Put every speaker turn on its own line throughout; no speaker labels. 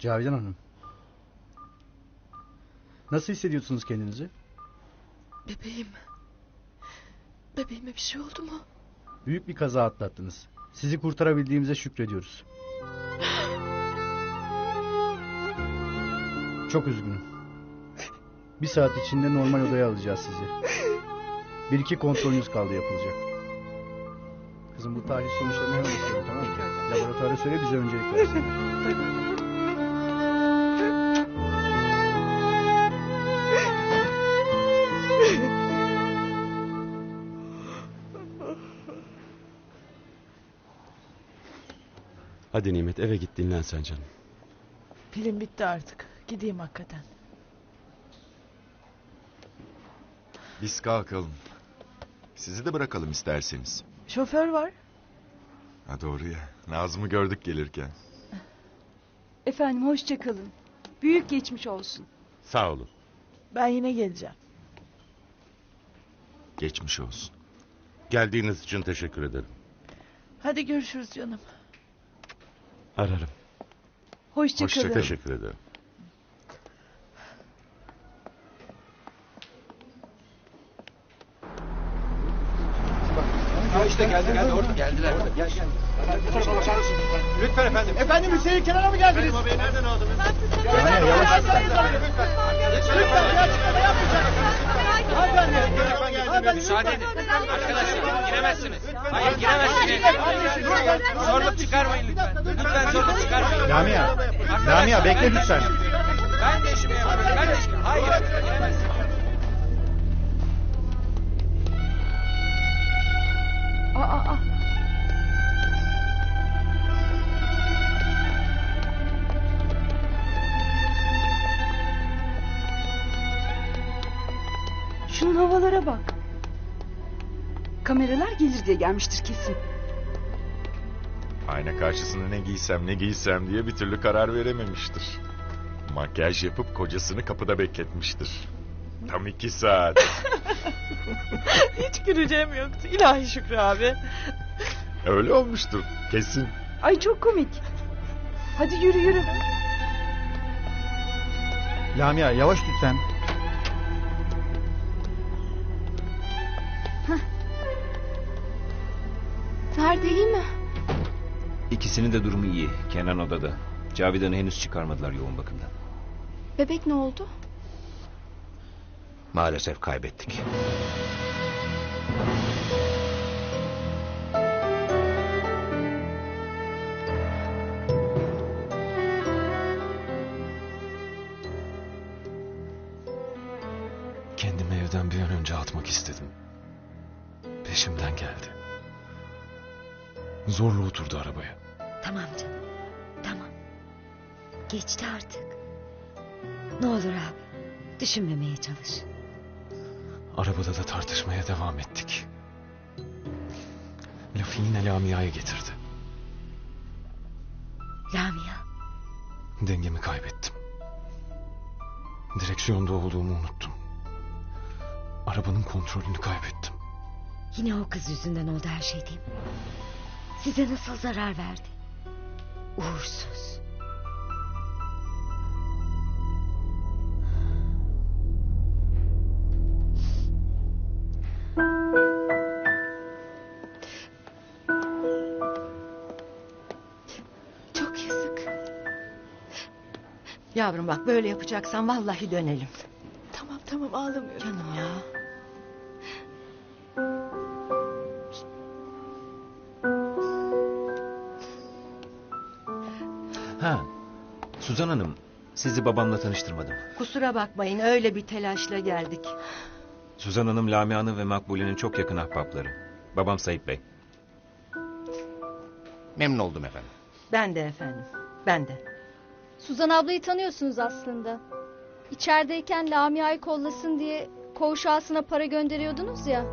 Cavidan Hanım. Nasıl hissediyorsunuz kendinizi?
Bebeğim. Bebeğime bir şey oldu mu?
Büyük bir kaza atlattınız. Sizi kurtarabildiğimize şükrediyoruz. Çok üzgünüm. 1 saat içinde normal odaya alacağız sizi. 1-2 kontrolünüz kaldı yapılacak. Kızım bu tahlil sonuçlarını hemen istiyorum, tamam mı? Laboratuvara söyle bize öncelik versinler.
Hadi Nimet, eve git dinlen sen canım.
Pilim bitti artık. Gideyim hakikaten.
Biz kalkalım. Sizi de bırakalım isterseniz.
Şoför var.
Ha doğru ya. Nazım'ı gördük gelirken.
Efendim hoşça kalın. Büyük geçmiş olsun.
Sağ olun.
Ben yine geleceğim.
Geçmiş olsun.
Geldiğiniz için teşekkür ederim.
Hadi görüşürüz canım.
Ararım.
Hoşça kalın.
Teşekkür ederim.
İşte geldi orada. Geldiler. Gel. Lütfen efendim.
Efendim Hüseyin kenara mı geldiniz?
Salim abi nereden aldınız?
Yani yavaş
Müsaade edin. Arkadaşlar giremezsiniz. Hayır giremezsiniz. Zorluk çıkarmayın lütfen. Lütfen zorluk çıkarmayın.
Lamia bekle lütfen.
Ben de işimi yapıyorum. Ben de işimi. Hayır giremezsiniz.
Aa. Şunun havalara bak. Kameralar gelir diye gelmiştir kesin.
Ayna karşısında ne giysem diye bir türlü karar verememiştir. Makyaj yapıp kocasını kapıda bekletmiştir. Tam 2 saat.
Hiç güleceğim yoktu. İlahi Şükrü abi.
Öyle olmuştur kesin.
Ay çok komik. Hadi yürü.
Lamia yavaş lütfen.
Ferdi iyi mi?
İkisinin de durumu iyi. Kenan odada. Cavidan'ı henüz çıkarmadılar yoğun bakımdan.
Bebek ne oldu?
Maalesef kaybettik.
Kendimi evden bir an önce atmak istedim. Peşimden geldi. Zorla oturdu arabaya.
Tamam canım. Tamam. Geçti artık. Ne olur abi. Düşünmemeye çalış.
Arabada da tartışmaya devam ettik. Lafı yine Lamia'ya getirdi.
Lamia.
Dengemi kaybettim. Direksiyonda olduğumu unuttum. Arabanın kontrolünü kaybettim.
Yine o kız yüzünden oldu her şey değil mi? Size nasıl zarar verdi? Uğursuz.
Çok yazık. Yavrum bak böyle yapacaksan vallahi dönelim. Tamam ağlamıyorum. Canım ya.
Ha, Suzan Hanım, sizi babamla tanıştırmadım.
Kusura bakmayın öyle bir telaşla geldik.
Suzan Hanım, Lamia'nın ve Makbule'nin çok yakın ahbapları. Babam Sayıp Bey.
Memnun oldum efendim.
Ben de efendim. Ben de.
Suzan ablayı tanıyorsunuz aslında. İçerideyken Lamia'yı kollasın diye koğuş ağasına para gönderiyordunuz ya.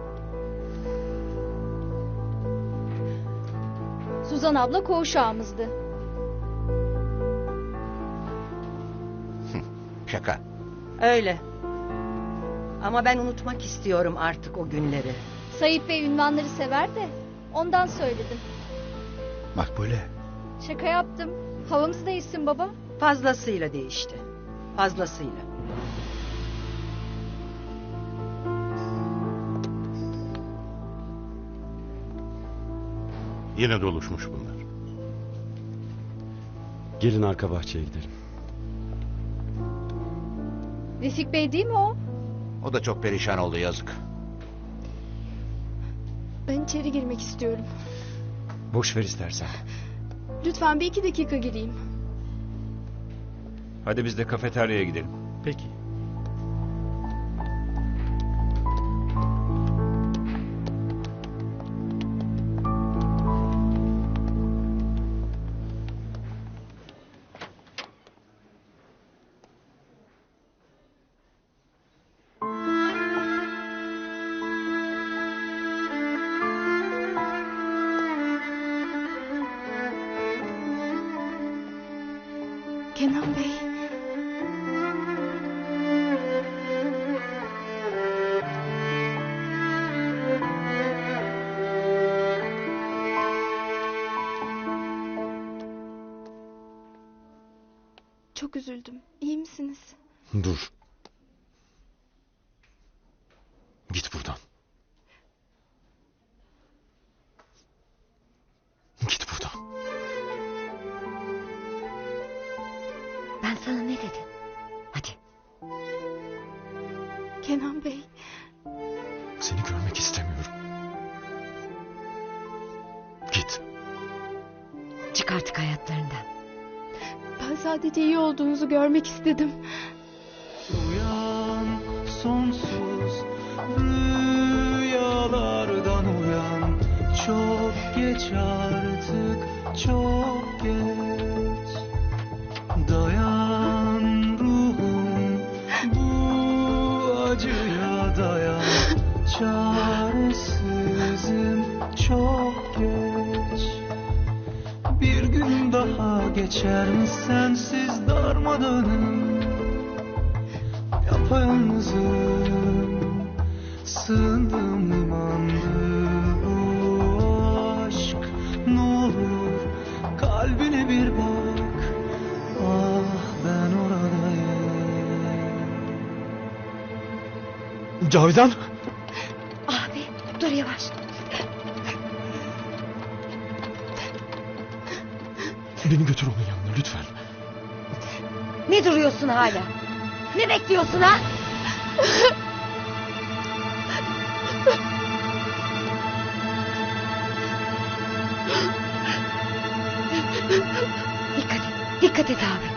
Suzan abla koğuş ağamızdı.
Şaka.
Öyle. Ama ben unutmak istiyorum artık o günleri.
Sayıp Bey ünvanları sever de ondan söyledim.
Makbule.
Şaka yaptım. Havamız değişsin baba.
Fazlasıyla değişti. Fazlasıyla.
Yine doluşmuş bunlar. Gelin arka bahçeye gidelim.
Refik Bey değil mi o?
O da çok perişan oldu yazık.
Ben içeri girmek istiyorum.
Boş ver istersen.
Lütfen bir 2 dakika gireyim.
Hadi biz de kafeteryaya gidelim.
Peki.
Kenan Bey. Çok üzüldüm. İyi misiniz?
Dur. Git buradan. Git buradan.
Ben sana ne dedim? Hadi.
Kenan Bey.
Seni görmek istemiyorum. Git.
Çık artık hayatlarından.
Ben sadece iyi olduğunuzu görmek istedim.
Uyan sonsuz rüyalardan uyan. Çok geç artık, çok geç. Dayan ruhum, bu acıya dayan. Çaresizim, çok geç. Bir gün daha geçer mi sensiz darmadağınım? Yapayalnızım, sığındığım limandı bu aşk. Ne olur kalbine bir bak, ah ben oradayım.
Cavidan!
Abi dur yavaş.
Beni götür onun yanına lütfen.
Ne duruyorsun hala? Ne bekliyorsun ha? Dikkat et abi.